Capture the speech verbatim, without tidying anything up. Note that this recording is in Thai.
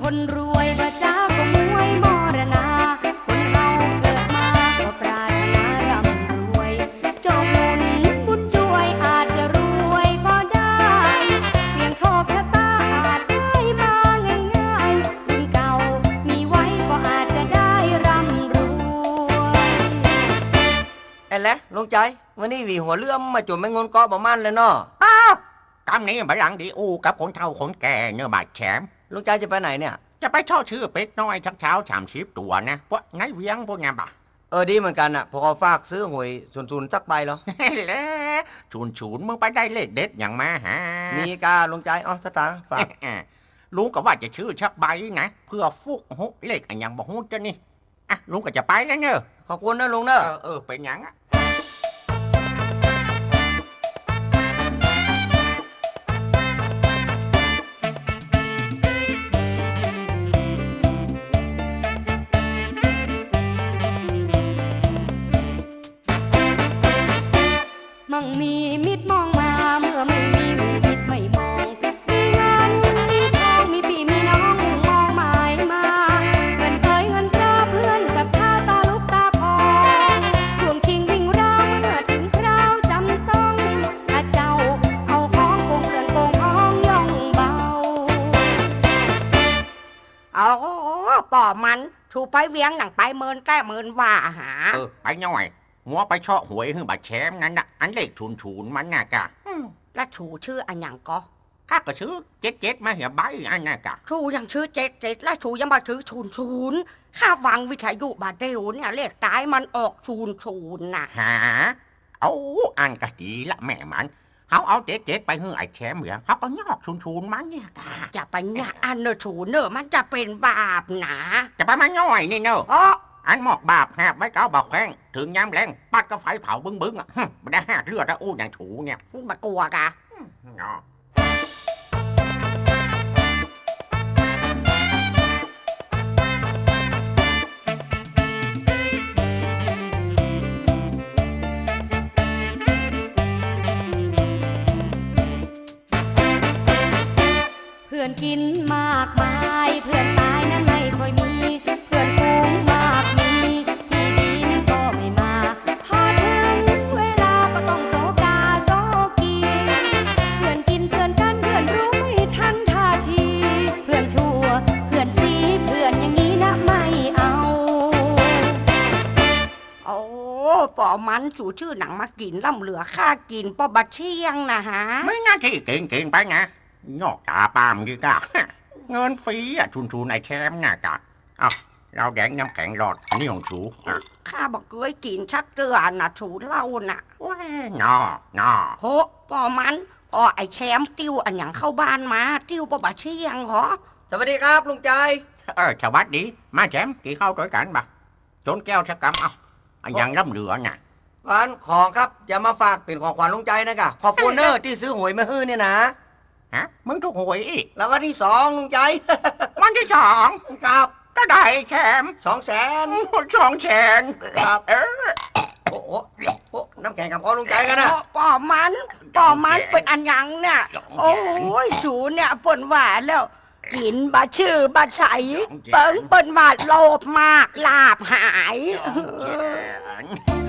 คนรวยบ่จ้าก็มวยมรณาคนเฮาเกิดมาก็ปรารถนาร่ำรวยจงหมุนบุญช่วยอาจจะรวยก็ได้เสี่ยงโชคชะตาอาจได้มาง่ายๆบุญเก่ามีไว้ก็อาจจะได้ร่ำรวยไอ้แหละลุงใจวันนี้วีหัวเลื่อมมาจุ่มไม่งนเกาะบ่มันเลยเนาะอ้าวกำนี้บัลลังก์ดีอูกับคนเฒ่าคนแก่เนื้อบาดแฉมลุงใจจะไปไหนเนี่ยจะไปช่อชื่อเป็ดน้อยชักเช้าฉ่ำชิบตัวนะพวกไงเวียงพวกงานบ่าเออดีเหมือนกันอ่ะพอฝากซื้อหวยศูนย์ศูนย์สักใบเหรอแล้วศูนย์ศูนย์มึงไปได้เลขเด็ดอย่างมาฮะมีกาลุงใจอ๋อสตางค์ฝากลุงก็ว่าจะชื่อชักใบนะเพื่อฟุกหุเลขอย่างบอกหุจะนี่อ่ะลุงก็จะไปแล้วเนอะขอบคุณนะลุงเนอะเออเออเป็นอย่างอ่ะมั่งมีมิตรมองมาเมื่อไม่มีมิตรไม่มองมีเงินมีทองมีพี่มีน้องมองหมายมาเงินเคยเงินตราเพื่อนกับข้าตาลุกตาพองทวงชิงวิ่งราวเมื่อถึงคราวจำต้องถ้าเจ้าเอาของโกงเงินโกงทองย่องเบาเอาป่อมันถูไปเวียงหนังไปเมินแก้เมินว่าหาเออไปหน่อยหัวไปช่อหวยคือบาดแฉมนั่นน่ะอันเลขชูนชูนมันน่ะกะแล้วชูชื่ออันยังก็ข้าก็ชื่อเจ็ดเจ็ดมาเหี่ยใบอันน่ะกะชูยังชื่อเจ็ดเจ็ดแล้วชูยังมาถือชูนชูนข้าฟังวิทยุบาเดวเนี่ยเลขตายมันออกชูนชูนน่ะหาเอาอันกะดีละแม่มันเขาเอาเจ็ดเจ็ดไปหื้อไอ้แฉมเหมือนเขาก็ยอกชูนชูนมันเนี่ยกะจะไปเนี่ยอันเนอชูนเนอมันจะเป็นบาปนะจะไปมาง่อยนี่เนอะอันหมอกบาปแหบไว้เก้าบอกแข้งถึงย้ำแรงปัดก็ไฟเผาบึ้งบึ้งอ่ะไม่ได้เลือดแล้วอู้อย่างถูเนี่ยมากลัวกะเพื่อนกินมากมายเพื่อนตายนั้นไม่ค่อยมีเพื่อนฝูงมากมีที่ดีนั้นก็ไม่มาพอถึงเวลาก็ต้องโศกาโศกีเพื่อนกินเพื่อนกันเพื่อนรู้ไม่ทันท่าทีเพื่อนชั่วเพื่อนสีเพื่อนอย่างนี้นะไม่เอาโอ้ป่อมันชูชื่อหนังมากินล่ำเหลือค่ากินป่อบัดเชียงนะฮะไม่น่าที่เก่งเก่งไปไงงอกตาปามกี่กะเงินฟรีอ่ะชุนชูนไอ้แชมป์น่ะกะอ้าวเราแดงน้ำแข็งหลอดอันนี้ของชูข้าบอกเคยกินชักเตือนน่ะชูเล่าน่ะว้านอนอโหป่อมันอ๋อไอ้แชมป์ติ้วอันอย่างเข้าบ้านมาติ้วป่อบัดเชียงเหรอสวัสดีครับลุงใจเออสวัสดีมาแชมป์กี่เข้าด้วยกันบ่จนแก้วชักกำเอาอันอย่างร่ำเหลือน่ะวันของครับจะมาฝากเป็นของขวัญลุงใจนะกะขอบคุณเนอที่ซื้อหวยมาฮื้อเนี่ยนะฮะมึงถูกหวยอีกแล้ววันที่สองลุงใจวันที่สองครับก็ได้แชมป์สองแสนสองแสนครับเออโอ้โหโอ้น้ำแข็งกับพ่อลุงใจกันนะป่อมันป่อมันเป็นอันยังเนี่ยโอ้ยสูเนี่ยเปิ่นว่าแล้วกินบาชื่อบาใสเปิ้งเปิ้นว่าโลภมากลาบหาย